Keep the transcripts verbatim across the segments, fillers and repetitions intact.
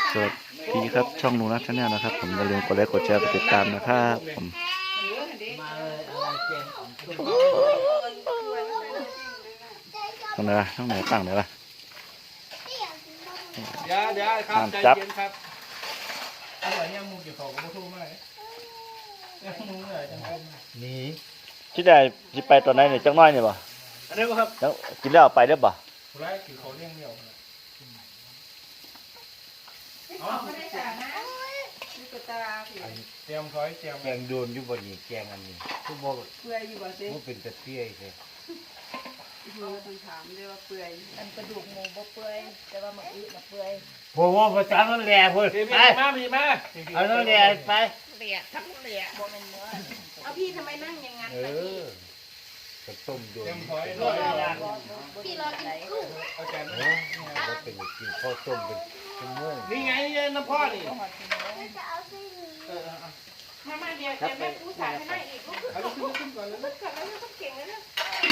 สวัสดีครับช่องหนูนะชาแนลนะครับผมอย่าลืมกดไลค์กดแชร์กดติดตามนะครับผมตรงไหนล่ะตรงไหนตั้งไหนล่ะเดี๋ยวเดี๋ยวครับใจเย็นครับอร่อยเนี่ยมูกี่ของก็ไม่ทุ่มไหมยังมูเลยจังนี่ที่ได้ที่ไปตอนไหนเนี่ยจังน้อยเนี่ยป่ะอันนี้ครับกินแล้วไปได้ป่ะผู้ร้ายกี่เขาเลี้ยงเดียวอ๋อไม่ได้จ่ายนะมีกระตาเตรียมคอยเตรียมแกงโดนอยู่บนนี้แกงอันนี้ทุกโมกเปื่อยอยู่บ่เซ่มันเป็นตะเตี้ยเลยเราต้องถามด้วยว่าเปื่อยอันกระดูกหมูบ่เปื่อยแต่ว่ามันอึมันเปื่อยผมว่าภาษามันแหล่พุ่นไปมาพี่มาเอาแล้วแหล่ไปเหลี่ยทั้งเหลี่ยบ่เป็นเนื้อเอาพี่ทำไมนั่งอย่างงั้นเออก็ต้มโดนเตรียมคอยรอพี่รอกินกุ้งเอาแกนเนาะก็เป็นกินข้าวต้มเป็นชั่วโมงนี่ไงนี่น้ำพ่อนี่มามาเดียวจะแม่ผู้สาวให้นั่งอีกเอาขึ้นขึ้นก่อนเลยขึ้นก่อนแล้วต้องเก่งเลยนะ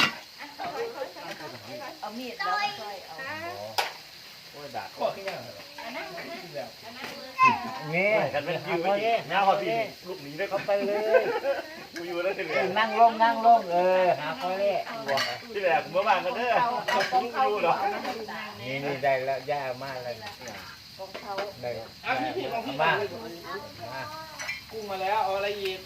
เอามีดแล้วค่อยเอาโอ้ยด่าข้อที่ยังนั่งนั่งเงี้ยกันเป็นยูนี่หน้าพอพี่ลูกหนีได้เขาไปเลยกูอยู่แล้วที่เหลือนั่งลงนั่งลงเออหาคอยเล่ที่เหลือเมื่อวานกันเด้อลูกอยู่เหรอนี่นี่ได้แล้วย่ามากเลยของเขาได้อ่ะพี่พี่ของพี่มากุ้งมาแล้วเอาอะไรอีก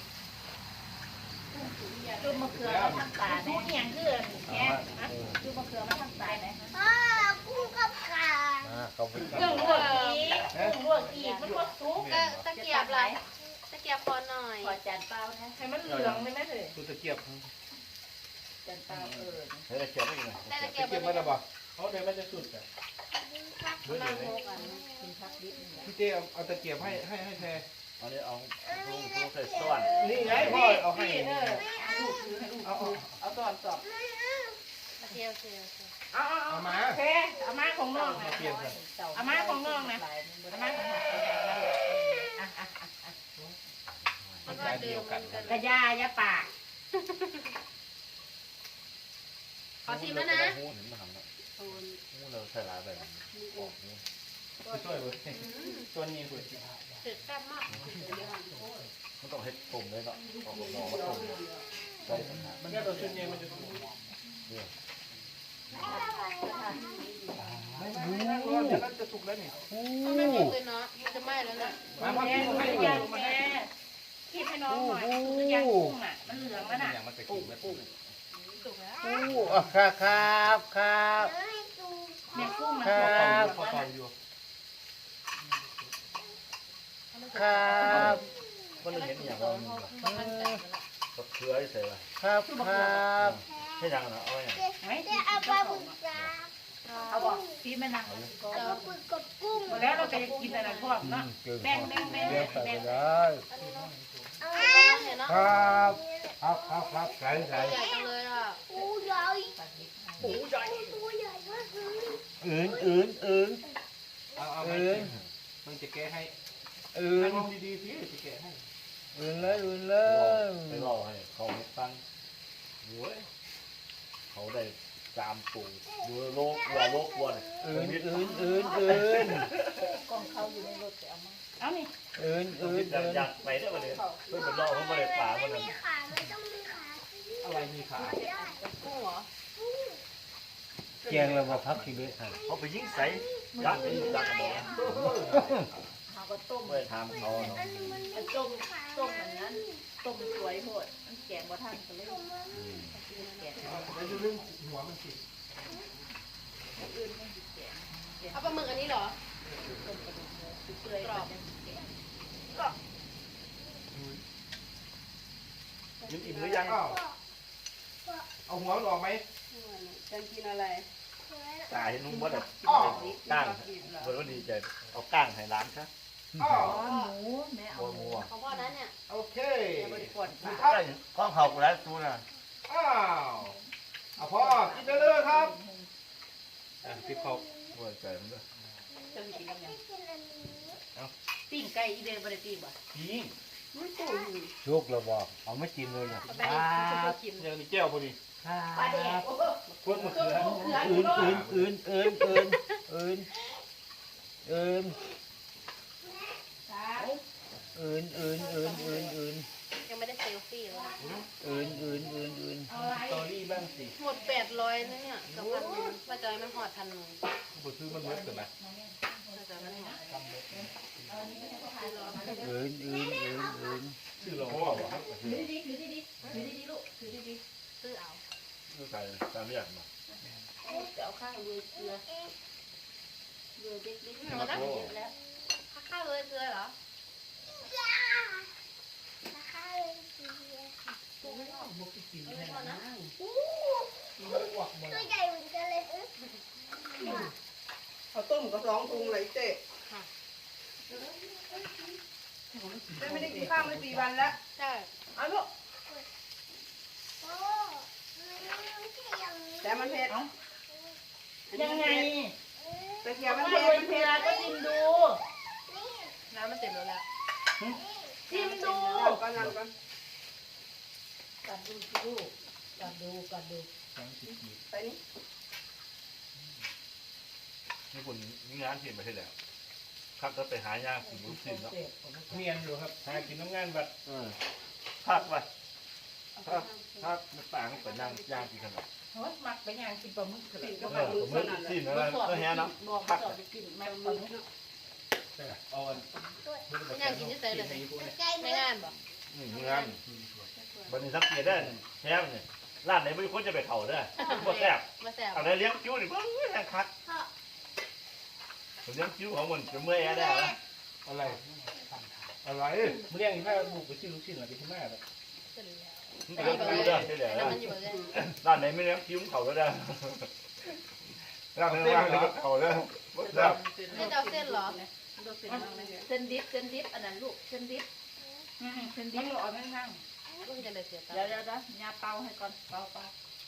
ดูมะเขือมาทำตาดูเหียงคือแง่ดูมะเขือมาทำตาไหนอ๋อกุ้งกับขาเขาไปกุ้งลวกอีกกุ้งลวกอีกมันก็สุกตะเกียบไรตะเกียบพอหน่อยขอจานเปล่านะให้มันเหลืองได้ไหมเลยตัวตะเกียบจานเปล่าเออเฮ้ยเกียบไม่ยังตะเกียบมันจะบอกเขาเดี๋ยวมันจะสุดอ่ะพี่เต้เอาตะเกียบให้ให้ให้แทนอันนี้เอาลูกลูกใส่ส่วนนี่ไงพ่อเอาให้เอาเอาตอนตอบตะเกียบเสียเอาเอาเอามาโอเคเอามาของน้องนะเอามาของน้องนะเอามาของน้องอ่ะอ่ะอ่ะอ่ะมันก็เดียวกันกระยายาปากขอชิมแล้วนะหูเห็นมาทำแล้วหูเราใส่ลายแบบนี้ช่วยเว้ยตัวนี้คุยถึกแซ่บมากมันต้องเห็ดตุ่มเลยเนาะออกมองว่าตุ่มใช่ปัญหามันก็ตัวชุดนี้มันจะถูกไม่ไม่ไม่ร้อนเดี๋ยวจะสุกแล้วนี่ต้องไม่มีเลยเนาะมันจะไหม้แล้วนะมาพ่อพี่ให้ดูมาให้คิดให้น้องหน่อยตัวอย่างกุ้งอ่ะมันเหลืองแล้วน่ะมันจะกินแล้วกุ้งสุกแล้วอู้ครับครับครับเนี่ยกุ้งมันครับครับมันเห็นอย่างว่าก็เกลือใส่ไปครับครับใช่ยังนะเอาอย่างไม่ได้เอาปลาบุญจ้าเอาบอกพี่แม่นางเอาปุกกับกุ้งแล้วเราจะกินอะไรพวกเนาะแบ่งแบ่งแบ่งแบ่งได้ครับครับครับครับใส่ใส่ใหญ่จังเลยอ่ะปูใหญ่ปูใหญ่ตัวใหญ่มากเลยอื่นอื่นอื่นเอาเอาอื่นมึงจะแก้ให้อื่นดีๆสิจะแก้ให้อื่นเลยอื่นเลยไปรอให้เขาตั้งโว้ยเขาได้จามปูดูโลกวัวโลกวัวเนี่ยอื่นอื่นอื่นอื่นกองเขาอยู่ในรถเอามาเอานี่อื่นอื่นอื่นอยากไปได้มาเลยเพื่อนเป็นรอเขาไม่ได้ป่ามันมีขาไม่ต้องมีขาอะไรมีขากุ้งเหรอแกงเราพักทีเบ็ดเขาไปยิงใส่ยักษ์ไปยิงยักษ์กันเลยเขาก็ต้มไม่ทำเขาเนาะต้มต้มอย่างนั้นต้มสวยโหดมันแกงบ่ทันก็เลยแล้วดูเรื่องหัวมันสิเอาปลาหมึกอันนี้เหรอเปื่อยกรอบก็ยิ้มอิ่มหรือยังเอาหัวมันออกไหมจะกินอะไรตายนุ่มว่าแบบก้างเพื่อนว่าดีใจเอาก้างให้ร้านครับอ๋อหมูแม่เอาหมูของพ่อนั้นเนี่ยโอเคข้องเขาแล้วซูน่ะอ้าวเอาพ่อกินได้เลยครับอ่ะพี่เขาโอ้ยใจมันด้วยจะกินกับยังปิ้งไก่อีเดนบริตีบ่ปิ้งชุกเราบอกเอาไม่กินเลยนะอย่างนี้แก้วพอดีปลาแดกพวกมะเขืออื่นอื่นอื่นอื่นอื่นอื่นอื่นอื่นอื่นอื่นอื่นอื่นยังไม่ได้เซลฟี่เลยอื่นอื่นอื่นอื่นสตอรี่บ้างสิหมดแปดร้อยนะเนี่ยกับพันหนึ่งว่าจะไม่หอดพันหนึ่งบ่ซื้อมันเบิดกันนะว่าจะไม่หอดอื่นอื่นอื่นอื่นซื้อเราโอ้บ่โหถือดีๆถือดีๆถือดีๆลูกถือดีซื้อเอาคือใส่ตามไม่อยากมาๆจะเอาข้าวเรือเกลือเรือเด็กหนูนะๆเยอะแล้วข้าวเลยเกลือเหรอบุกกินไม่พอนะตัวใหญ่เหมือนกันเลยเขาต้มก็สองถุงเลยเจ๊เจ๊ไม่ได้กินข้าวมาสี่วันแล้วใช่เอาลูกโอ้ไม่ใช่อย่างนี้แต่มันเผ็ดยังไงตะเกียบมันถ้าเผ็ดโรยมันเกลืเผ็ดอก็ชิมดูน้ำมันเต็มแล้วแหละชิมดูเอาก่อนนั่นก่อนกัดดูสิลูกกัดดูกัดดูไปนี่นี่คุณนี่งานที่ไม่ใช่แล้วครับก็ไปหายาคุณรู้สิเนาะเมียนอยู่ครับหากินน้ำงานบัดเออพักไปพักพักไม่ต่างไปนั่งย่างกินขนมเฮ้ยมักไปย่างกินปลาหมึกเลยเออผมไม่สิ้นอะไรก็แฮเนาะบอกพักสอบไปกินแม่ปลาหมึกเอาอันไม่อยากกินที่ใส่เลยใจในเนื้องานบ่อืมงานบันนี้สังเกตได้แฮมเนี่ยร้านไหนไม่ควรจะไปเข่าเด้อบ่แซ่บมาแซ่บอะไรเลี้ยงคิ้วนี่เพิ่งแห้งคักผมเลี้ยงคิ้วของมันจะเมื่อยได้แล้วอะไรอะไรมื้อเลี้ยงอีกถ้าลูกไปซื้อลูกชิ้นหรือไปที่แม่แบบมันเลี้ยงคิ้วได้ใช่ไหมแล้วมันอยู่เลยร้านไหนไม่เลี้ยงคิ้วเขาก็ได้ร้านไหนว่างเลยก็เขาได้บ่แซ่บให้เจ้าเส้นเหรอเส้นดิบเส้นดิบอันนั้นลูกเส้นดิบอืมเส้นดิบเราเอาไม่นั่งก็จะได้เสียตังเดี๋ยวค์เดี๋ยวเดี๋ยวยาเป่าให้ก่อนเป่าเป่า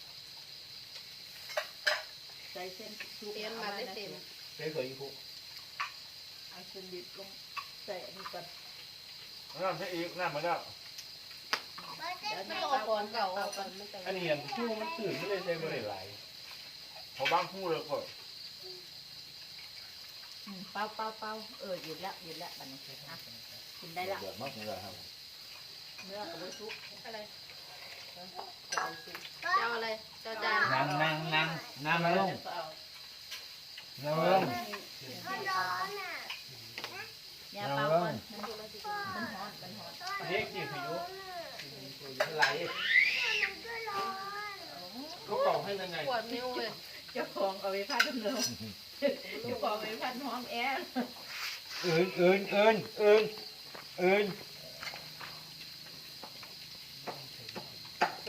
ใส่เส้นทุกเต็มมาได้เต็มเจ๊เคยอีกพวกเอาเส้นดิบลงใส่อันนี้ก่อนน้ำใช่อีกน้ำมาแล้วเดี๋ยวไม่ยาต้องเป่าเอาก่ก่ออน นเก่าเอาก่อนไม่เก่าอันนี้อันชูมันตื่นไม่ได้ใช้บ่ได้หลายพอบางคู่เลยก็อืมเป่าเป่าเป่าเออหยุดแล้วหยุดแล้วบัดนี้อ่ะกินได้ละเดือดมากเลยครับเนื้อกับไม่ทุกอะไรเจ้าอะไรเจ้าจานนั่งนั่งนั่งนั่งลงเอานั่งลงมันร้อนอ่ะยาเป่าก่อนมันมันร้อนมันร้อนเด็กกี่พายุร้อนไหลมันก็ร้อนก็เป่าให้ยังไงปวดนิ้วเลยเจ้าของเอาไปพัดเร็วเจ้าของเอาไปพัดห้องแอร์อื่นอื่นอื่นอื่นอื่น